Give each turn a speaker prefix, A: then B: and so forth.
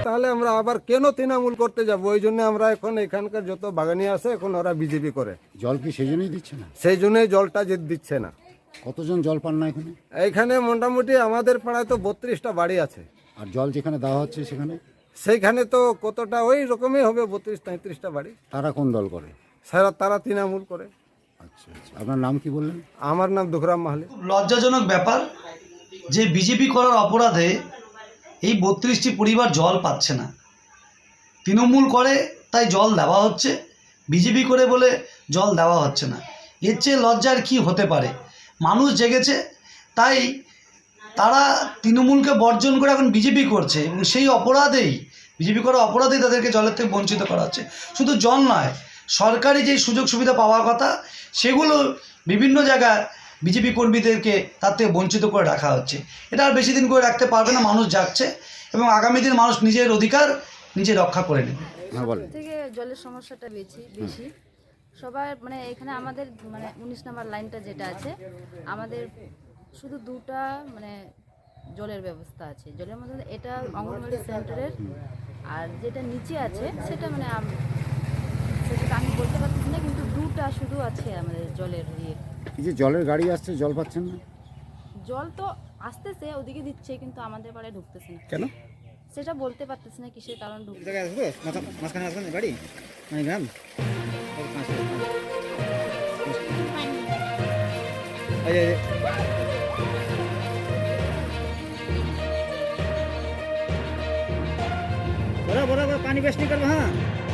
A: তাহলে আমরা আবার কেন তৃণমূল করতে যাব? ওই জন্য আমরা এখন এখানকার যত বাগানি আছে এখন ওরা বিজেপি করে,
B: জল কি সেই জন্যই দিচ্ছে না?
A: সেই জন্যই জলটা দিচ্ছে না।
B: কতজন জল পান না এখানে?
A: এইখানে মোটামুটি আমাদের পাড়ায় তো 32টা বাড়ি আছে,
B: আর জল যেখানে দেওয়া হচ্ছে
A: সেইখানে তো কতটা ওই রকমই হবে, 32-33টা বাড়ি।
B: তারা কোন দল করে?
A: তারা তৃণমূল করে।
B: আচ্ছা আচ্ছা, আপনার নাম কি বললেন?
A: আমার নাম দুখরাম মাহালি।
C: লজ্জাজনক ব্যাপার যে বিজেপি করার অপরাধে এই 32টি পরিবার জল পাচ্ছে না। তৃণমূল করে তাই জল দেওয়া হচ্ছে, বিজেপি করে বলে জল দেওয়া হচ্ছে না। এর চেয়ে লজ্জার কি হতে পারে? মানুষ জেগেছে, তাই তারা তৃণমূলকে বর্জন করে এখন বিজেপি করছে, এবং সেই অপরাধেই বিজেপি করার অপরাধেই তাদেরকে জলের থেকে বঞ্চিত করা হচ্ছে। শুধু জল নয়, সরকারি যে সুযোগ সুবিধা পাওয়ার কথা সেগুলো বিভিন্ন জায়গায় বিজেপি কর্মীদেরকে তার থেকে বঞ্চিত করে রাখা হচ্ছে। এটা আর বেশি দিন করে রাখতে পারবে না, মানুষ যাচ্ছে এবং আগামী দিন মানুষ নিজের অধিকার নিজে রক্ষা করে নেবে।
D: থেকে জলের সমস্যাটা বেশি সবার মানে এখানে আমাদের মানে 19 নম্বর লাইনটা যেটা আছে আমাদের শুধু দুটা মানে জলের ব্যবস্থা আছে। জলের মধ্যে এটা অঙ্গনওয়াড়ি সেন্টারের, আর যেটা নিচে আছে সেটা মানে সেটা আমি বলতে পারছি না, কিন্তু দুটা শুধু আছে আমাদের জলের ইয়ে।
B: এই যে জলের গাড়ি আসছে, জল পাচ্ছেন না?
D: জল তো আসতেছে, ওদিকে দিচ্ছে, কিন্তু আমাদের পাড়ায় ঢুকতেছে না।
E: কেন?
D: সেটা বলতে পারতেছি না কিসের কারণ ঢুকতে।
E: জায়গায় আসবো মাঝখানে আসবেন বাড়ি মানে গ্রাম बड़ा बड़ा बड़ा पानी वेस्ट नहीं करना। हाँ